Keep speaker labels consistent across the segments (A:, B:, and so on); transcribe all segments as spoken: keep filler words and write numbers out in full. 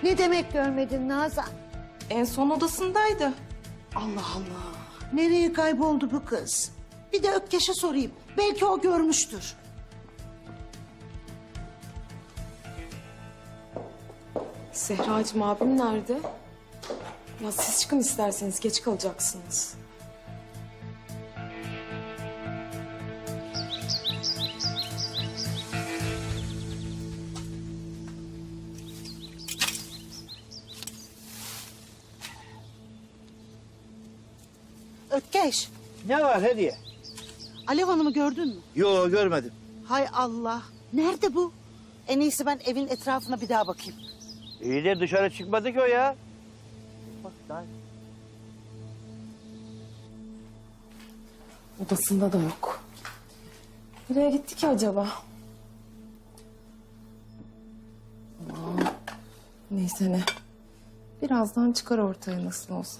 A: Ne demek görmedin Nazan?
B: En son odasındaydı.
A: Allah Allah. Nereye kayboldu bu kız? Bir de Ökkeş'e sorayım. Belki o görmüştür.
B: Zehracığım abim nerede? Ya siz çıkın isterseniz, geç kalacaksınız.
A: Ökkeş,
C: Ne var hediye?
A: Alev Hanım'ı gördün mü?
C: Yo görmedim.
A: Hay Allah. Nerede bu? En iyisi ben evin etrafına bir daha bakayım.
C: İyi de dışarı çıkmadı ki o ya. Bak daha...
B: Odasında da yok. Nereye gitti ki acaba? Aman, neyse ne. Birazdan çıkar ortaya nasıl olsa.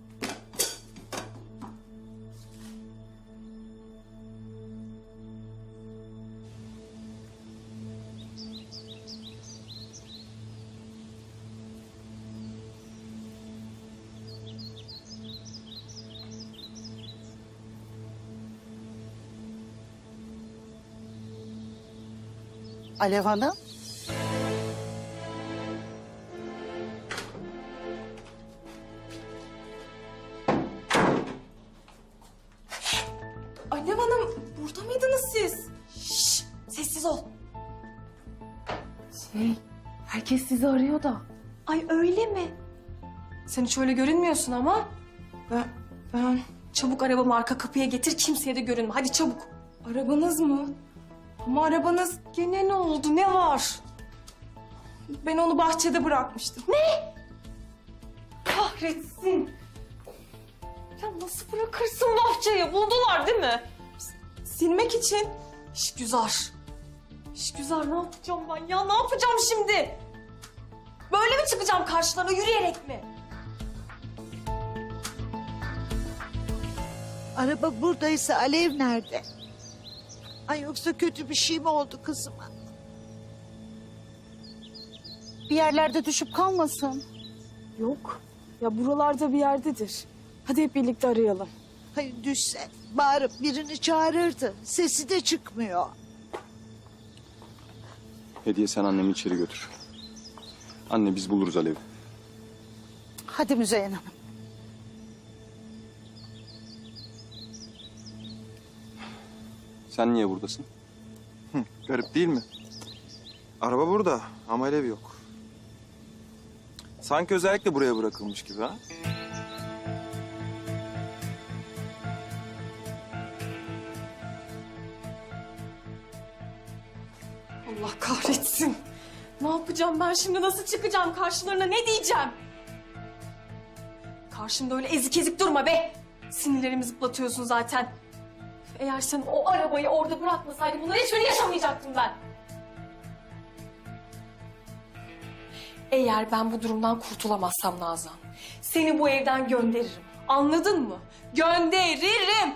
A: Alev Hanım.
B: Alev Hanım, burada mıydınız siz? Şşş, sessiz ol. Şey, herkes sizi arıyor da. Ay öyle mi? Sen hiç öyle görünmüyorsun ama. Ben, ben... Çabuk arabamı arka kapıya getir, kimseye de görünme. Hadi çabuk. Arabanız mı? Ama arabanız gene ne oldu, ne var? Ben onu bahçede bırakmıştım. Ne? Kahretsin. Ya nasıl bırakırsın bahçeye? Buldular değil mi? S- silmek için. İşgüzar. İşgüzar, ne yapacağım ben ya? Ne yapacağım şimdi? Böyle mi çıkacağım karşılarına, yürüyerek mi?
A: Araba buradaysa Alev nerede? Ay yoksa kötü bir şey mi oldu kızıma? Bir yerlerde düşüp kalmasın.
B: Yok. Ya buralarda bir yerdedir. Hadi hep birlikte arayalım.
A: Hayır düşse bağırıp birini çağırırdı. Sesi de çıkmıyor.
D: Hediye sen annemi içeri götür. Anne biz buluruz Alev'i.
A: Hadi Müzeyyen Hanım.
D: Sen niye buradasın?
E: Hı, garip değil mi? Araba burada ama ev yok. Sanki özellikle buraya bırakılmış gibi ha?
B: Allah kahretsin. Ne yapacağım ben şimdi? Nasıl çıkacağım karşılarına? Ne diyeceğim? Karşımda öyle ezik ezik durma be. Sinirlerimi zıplatıyorsun zaten. Eğer sen o arabayı orada bırakmasaydın bunları hiçbirini yaşamayacaktım ben. Eğer ben bu durumdan kurtulamazsam Nazan, seni bu evden gönderirim. Anladın mı? Gönderirim.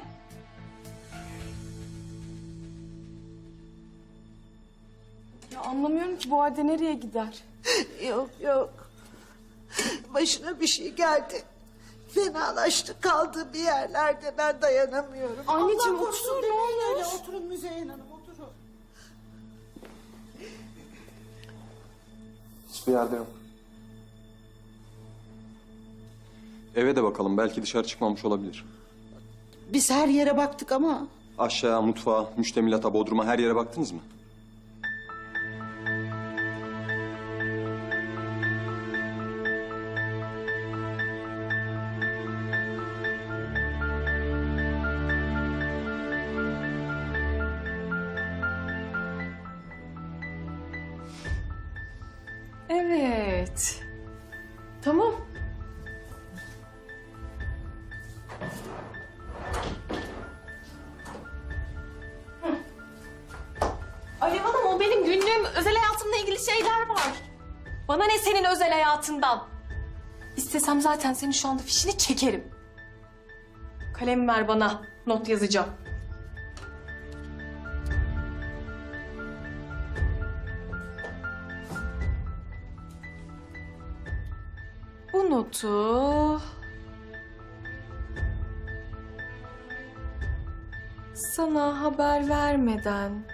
B: Ya anlamıyorum ki bu halde nereye gider?
A: Yok yok. Başına bir şey geldi. Fenalaştı kaldı bir yerlerde, ben dayanamıyorum.
B: Anneciğim,
A: Allah korusun
B: otur, ne
A: demeyin
B: olur.
A: öyle. Oturun Müzeyyen Hanım, oturun.
E: Hiçbir yerde yok.
D: Eve de bakalım belki dışarı çıkmamış olabilir.
A: Biz her yere baktık ama
D: Aşağı, mutfağa, müştemilata, bodruma her yere baktınız mı?
B: Evet. Tamam. Hı. Alev Hanım, o benim günlüğüm, özel hayatımla ilgili şeyler var. Bana ne senin özel hayatından? İstesem zaten senin şu anda fişini çekerim. Kalem ver bana, not yazacağım. bu notu sana haber vermeden